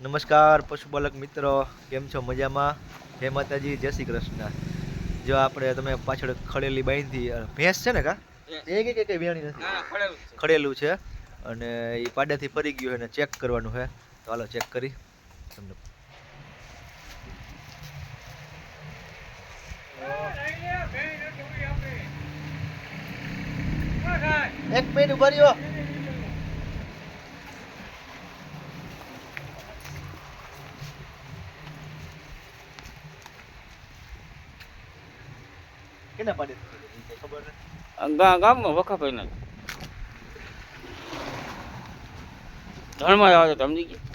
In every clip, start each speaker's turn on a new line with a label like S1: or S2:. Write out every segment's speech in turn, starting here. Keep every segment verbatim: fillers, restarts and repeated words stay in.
S1: નમસ્કાર પશુપાલક મિત્રો, કેમ છો? મજામાં? જય માતાજી, જય શ્રી કૃષ્ણ. જો આપણે તમે પાછળ ખડેલી બાંધી ભેંસ છે ને કા એ કે કે વેણી નથી, ખડેલું છે અને એ પાડાથી ફરી ગયું એને ચેક કરવાનું છે. તો હાલો ચેક કરી તમને. એક મિનિટ ઉભા રહ્યો. કેના પાડે ખબર
S2: ગા ગામમાં વખાભાઈ ના ધણમાં આવે તો સમજી ગયા.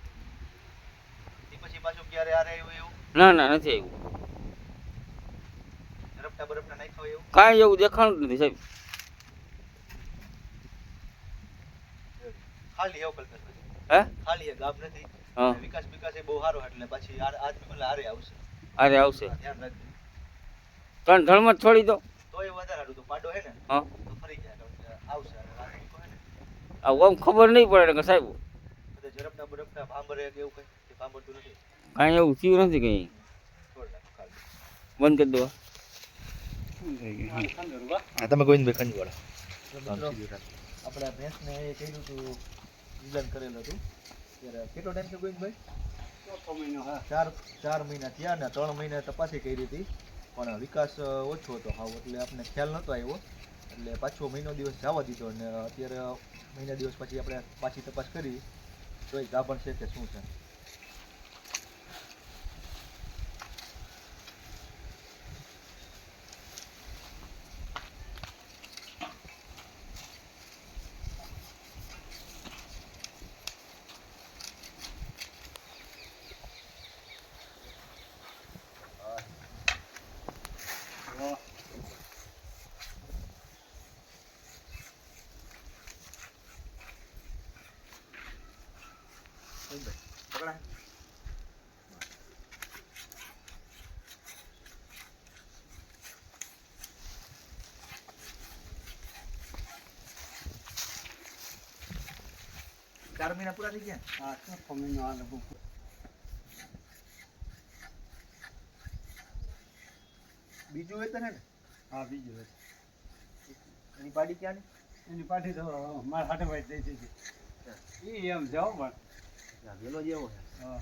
S1: પછી પાછું ક્યારે આરે આવ્યું એવું?
S2: ના ના નથી આવ્યું,
S1: રપટા બરપટા નાખ્યો એવું
S2: કાંઈ એવું દેખાણું જ નથી સાહેબ.
S1: ખાલી એવું કલ્પેશ
S2: હે
S1: ખાલી એ ગામ નથી.
S2: હા
S1: વિકાસ વિકાસ એ બહુ સારો એટલે પછી આજ પેલા હારે આવશે.
S2: અરે આવશે
S1: ધ્યાન રાખજો.
S2: ત્રણ ધણમાં જ છોડી દો.
S1: તો એ વધારે સારું. તો પાડો હે ને
S2: હા
S1: તો ફરી જાય કારણ કે આવશે અને રાત્રિ કહે ને
S2: આમ ખબર નહીં પડે કે સાહેબ
S1: બધા ઝડપના બરપના ભાંભરે કે એવું કઈ કે ભાંભરતું નથી.
S2: કાંઈ એવું થયું નથી કંઈ.
S1: છોડ નાખો ખાલી.
S2: બંધ કરી દો.
S1: હા તમે ગોવિંદભાઈ ખંડવાળા. આપણે ભેંસને એ કર્યું હતું, નિદાન કરેલું હતું ત્યારે કેટલો ટાઈમ થયો ગોવિંદભાઈ? ચોથો મહિનો. હા ચાર ચાર મહિના થયા ને ત્રણ મહિના તપાસી કરી હતી પણ વિકાસ ઓછો હતો હાવ, એટલે આપણને ખ્યાલ નહોતો આવ્યો એટલે પાછો મહિનો દિવસ જવા દીધો અને અત્યારે મહિના દિવસ પછી આપણે પાછી તપાસ કરી તો એ ગાભણ છે કે શું છે. પકડા ચાર મહિના પૂરા થઈ ગયા. હા ચોથો મહિનો આ લગભગ. બીજું વેતન હે ને? હા બીજું વેતન. એની પાડી ક્યાં ને? એની પાડી તો મારા હાટે ભાઈ દઈ દીધી. એ એમ જાઓ પણ વેલો જેવો છે. હા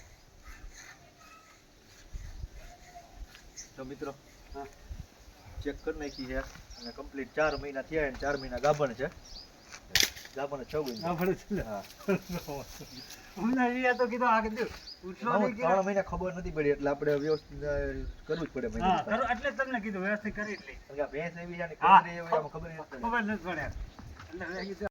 S1: તો મિત્રો હા ચેક કરી નાખી છે અને કમ્પ્લીટ ચાર મહિના થયા અને ચાર મહિના ગાભણ છે. ગાભણ છ મહિના ગાભણ છે. હા અમને એ તો કીધું આ કીધું ઉઠલો નહીં કે ત્રણ મહિના ખબર નથી પડી એટલે આપણે વ્યવસ્થિત કરવું જ પડે. મહિના હા કરો એટલે તમને કીધું વ્યવસ્થિત કરી જ લઈ. ભેંસ એવી છે ને ખબર નથી પડે એટલે